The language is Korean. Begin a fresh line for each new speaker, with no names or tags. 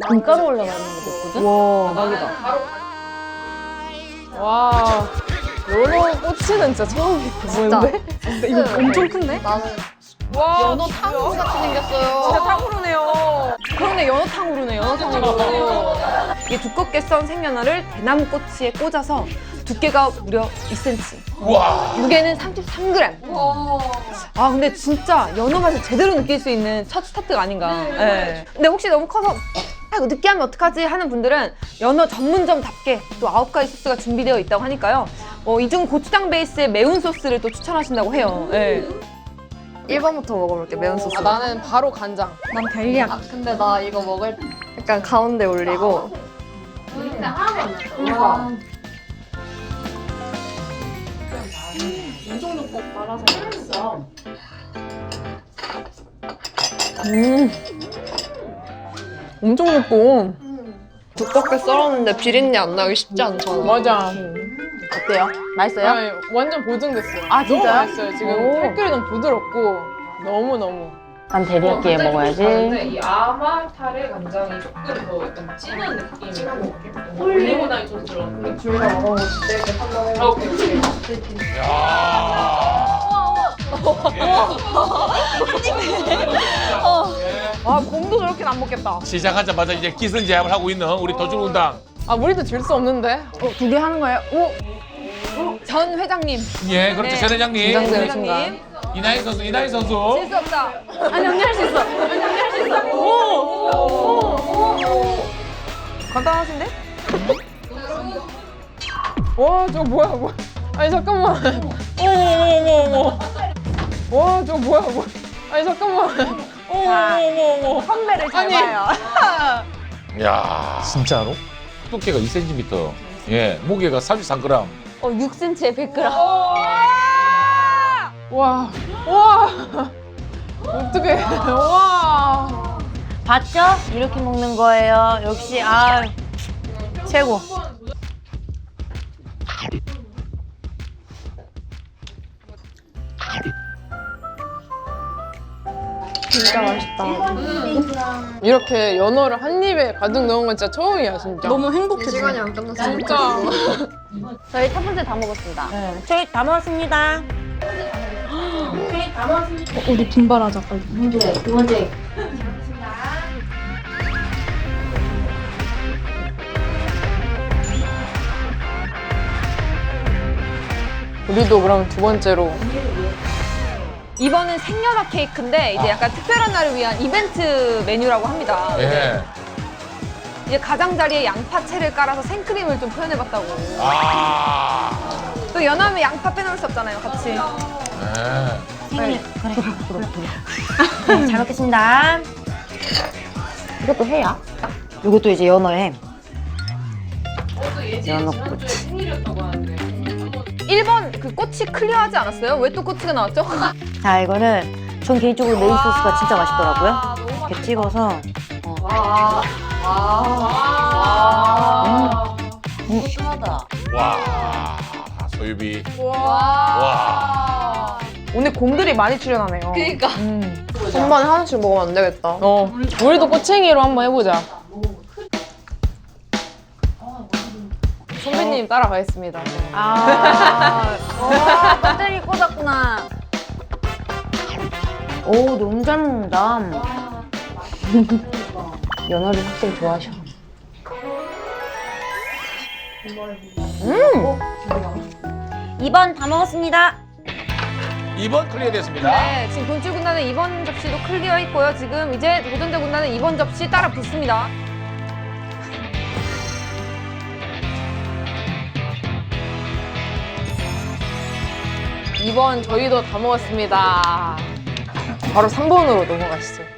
금가루 올라가는 것도 있거든?
와.
대박이다.
와. 연어 꼬치는 진짜 처음이야. 뭔데?
진짜
이거 엄청 큰데?
나는
와.
연어 탕후루 같이 생겼어요.
진짜 탕후루네요.
그러네, 연어탕으로네, 연어탕으로. 이게 두껍게 썬 생연어를 대나무 꼬치에 꽂아서 두께가 무려 2cm.
와.
무게는 33g. 아, 근데 진짜 연어 맛을 제대로 느낄 수 있는 첫 스타트가 아닌가. 네. 근데 혹시 너무 커서 아, 이거 느끼하면 어떡하지 하는 분들은 연어 전문점답게 또 9가지 소스가 준비되어 있다고 하니까요. 이 중 고추장 베이스의 매운 소스를 또 추천하신다고 해요. 네.
1번부터 먹어볼게, 매운 소스.
나는 바로 간장.
난 델리약. 아, 근데 나 이거 먹을 때 약간 가운데 올리고.
엄청 맵고.
두껍게 썰었는데 비린내 안 나기 쉽지 않잖아.
맞아.
어때요? 맛있어요?
아니, 완전 보증됐어요.
아, 진짜요?
너무 맛있어요. 지금
오.
살결이 너무 부드럽고 너무너무.
난 데리야끼에 먹어야지.
이 아말타르 간장이 조금 더 약간 진한 느낌. 진한 느낌. 올리고당 좀 들어.
둘다 먹어보실 때 이렇게 한번 해볼게.
오케이.
아, 곰도 저렇게는 안 먹겠다.
시작하자마자 이제 기선제압을 하고 있는 우리 도주군당.
아, 우리도 질 수 없는데?
2개 하는 거예요? 오! 전 회장님.
예, 그렇죠.
네.
전 회장님.
긴장되는
회장님.
이나희 선수, 이나희 선수.
질 수 없다. 아니, 언니 할 수 있어. 언니 할 수 있어. 오! 간단하신데?
와, 저거 뭐야. 아니, 잠깐만. 어머. 와, 저거 뭐야. 아니, 잠깐만. 어머.
선배를 잘
아니.
봐요.
야, 진짜로? 두께가 2cm. 예, 무게가 33g.
6cm에 100g.
와. 어떡해. 와.
봤죠? 이렇게 먹는 거예요. 역시 최고.
진짜 맛있다.
이렇게 연어를 한 입에 가득 넣은 건 진짜 처음이야, 진짜.
너무 행복해. 시간이 안 끝났어.
진짜.
저희 첫 번째 다 먹었습니다. 네. 저희 다 먹었습니다.
우리 분발하자, 빨리.
두 번째.
우리도 그럼 두 번째로.
이번은 생연어 케이크인데 이제 약간 특별한 날을 위한 이벤트 메뉴라고 합니다.
예.
이제 가장자리에 양파채를 깔아서 생크림을 좀 표현해봤다고.
아.
또 연하면 양파 빼놓을 수 없잖아요, 같이.
예.
생일. 그래. 잘 먹겠습니다. 이것도 해야? 이것도 이제 연어에. 연어 꼬치.
생일이었다고 하는데.
1번 그 꼬치 클리어하지 않았어요? 왜 또 꼬치가 나왔죠?
자, 이거는 전 개인적으로 메인 소스가 진짜 맛있더라고요. 이렇게 찍어서. 심하다.
와. 소유비.
와. 오늘 곰들이 많이 출연하네요.
그니까.
한 번에 하나씩 먹으면 안 되겠다. 우리도 꼬챙이로 한번 해보자. 선배님 따라가겠습니다.
배터리 꽂았구나. 오, 너무 잘 먹는다. 연어를 확실히 좋아하셔. 2번 다 먹었습니다.
2번 클리어 됐습니다.
네, 지금 돈줄 군단은 2번 접시도 클리어 있고요. 지금 이제 도전자 군단은 2번 접시 따라 붙습니다.
2번 저희도 다 먹었습니다. 바로 3번으로 넘어가시죠.